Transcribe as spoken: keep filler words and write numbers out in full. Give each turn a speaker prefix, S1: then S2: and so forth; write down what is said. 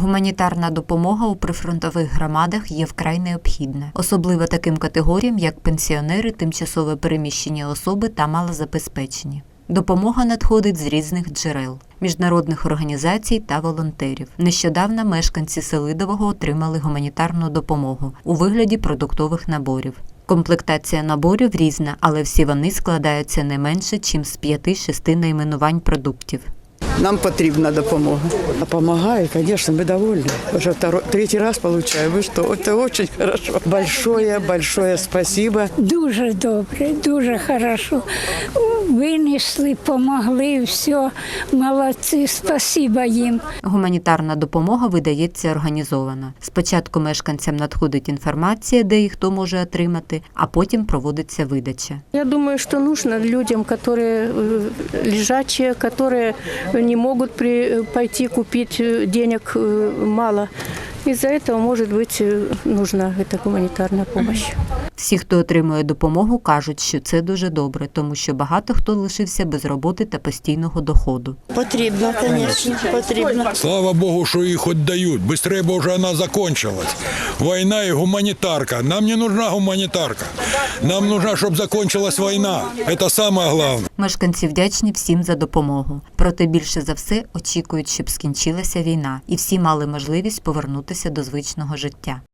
S1: Гуманітарна допомога у прифронтових громадах є вкрай необхідна, особливо таким категоріям, як пенсіонери, тимчасово переміщені особи та малозабезпечені. Допомога надходить з різних джерел – міжнародних організацій та волонтерів. Нещодавно мешканці Селидового отримали гуманітарну допомогу у вигляді продуктових наборів. Комплектація наборів різна, але всі вони складаються не менше, ніж з п'яти-шести найменувань продуктів.
S2: Нам потрібна допомога.
S3: Помогает, конечно, мы довольны. Уже второй, третий раз получаем. Вы что, это очень хорошо. Большое, большое спасибо.
S4: Дуже добре, дуже хорошо. Винесли, помогли, все, молодці, спасибо їм.
S1: Гуманітарна допомога видається організовано. Спочатку мешканцям надходить інформація, де і хто може отримати, а потім проводиться видача.
S5: Я думаю, что нужно людям, которые э, лежачие, которые не могут при, пойти купить, денег э, мало. Из-за этого, может быть, нужна эта гуманитарная помощь.
S1: Всі, хто отримує допомогу, кажуть, що це дуже добре, тому що багато хто лишився без роботи та постійного доходу.
S6: Потрібно, звісно, потрібно.
S7: Слава Богу, що їх хоч дають. Быстрее бо вже вона закінчилась. Війна і гуманітарка. Нам не нужна гуманітарка. Нам нужна, щоб закінчилась війна. Це саме головне.
S1: Мешканці вдячні всім за допомогу. Проте більше за все очікують, щоб скінчилася війна і всі мали можливість повернутися до звичного життя.